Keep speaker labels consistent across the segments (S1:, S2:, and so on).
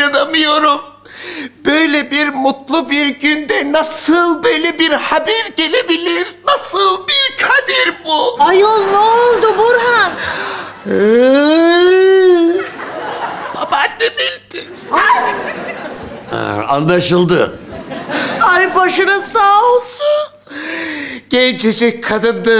S1: inanamıyorum. Böyle bir mutlu bir günde nasıl böyle bir haber gelebilir? Nasıl bir kader bu?
S2: Ayol ne oldu Burhan?
S1: Babaannem öldü.
S3: Anlaşıldı.
S2: Ay başına sağ olsun.
S1: Gencecik kadındı.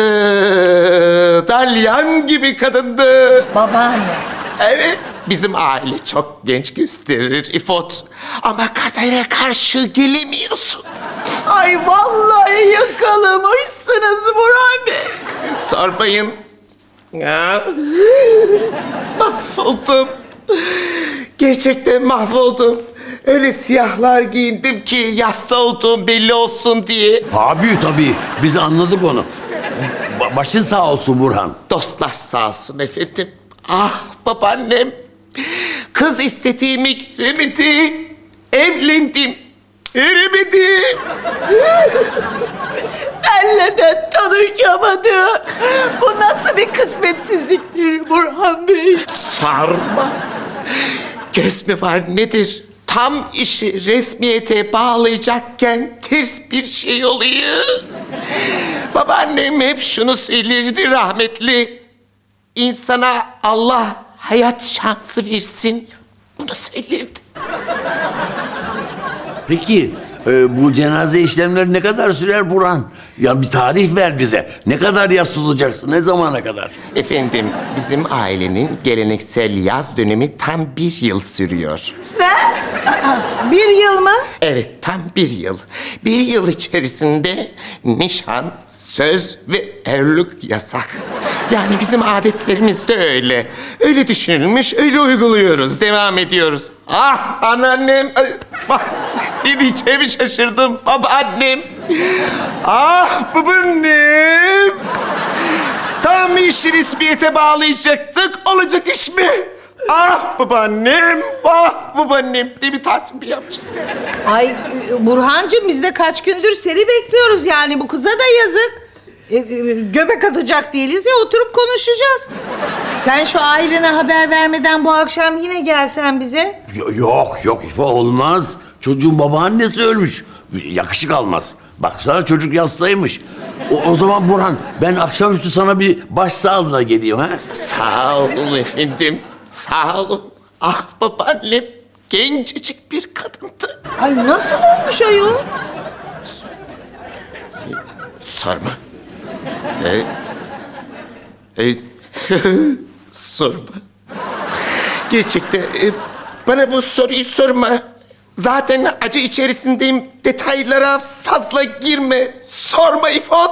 S1: Dalyan gibi kadındı.
S2: Babaanne.
S1: Evet, bizim aile çok genç gösterir İfot. Ama kadere karşı gelemiyorsun.
S2: Ay vallahi yakalamışsınız Burhan Bey.
S1: Sormayın. Ya. Mahvoldum. Gerçekten mahvoldum. Öyle siyahlar giyindim ki yasta olduğum belli olsun diye.
S3: Abi tabii biz anladık onu. Başın sağ olsun Burhan.
S1: Dostlar sağ olsun efendim. Ah babaannem. Kız istediğimi giremedi. Evlendim. Eremedi.
S2: Benle de tanışamadı. Bu nasıl bir kısmetsizliktir Burhan Bey?
S1: Sarma. Göz mü var nedir? Tam işi resmiyete bağlayacakken ters bir şey oluyor. Babaannem hep şunu söylerdi rahmetli. İnsana Allah hayat şansı versin. Bunu söylerdi.
S3: Peki bu cenaze işlemleri ne kadar sürer Burhan? Ya bir tarih ver bize. Ne kadar yas tutacaksın? Ne zamana kadar?
S1: Efendim, bizim ailenin geleneksel yaz dönemi tam 1 yıl sürüyor.
S2: Bir yıl mı?
S1: Evet, tam 1 yıl. 1 yıl içerisinde nişan, söz ve evlilik yasak. Yani bizim adetlerimiz de öyle. Öyle düşünülmüş, öyle uyguluyoruz, devam ediyoruz. Ah anneannem, bak ne diyeceğimi şaşırdım. Babaannem, ah babaannem. Tam işi resmiyete bağlayacaktık, olacak iş mi? Ah babaannem, ah babaannem diye bir Tahsin Bey yapacak.
S2: Ay Burhancığım biz de kaç gündür seni bekliyoruz yani bu kıza da yazık. Göbek atacak değiliz ya oturup konuşacağız. Sen şu ailene haber vermeden bu akşam yine gelsen bize.
S3: Yok İfo olmaz. Çocuğun babaannesi ölmüş. Yakışık almaz. Baksana çocuk yastaymış. O zaman Burhan ben akşamüstü sana bir başsağlığına geleyim ha.
S1: Sağ olun efendim, sağ olun. Ah babaannem, gencecik bir kadındı.
S2: Ay nasıl olmuş ayol?
S1: Sorma. Sorma. Gerçekten bana bu soruyu sorma. Zaten acı içerisindeyim. Detaylara fazla girme. Sorma İfot.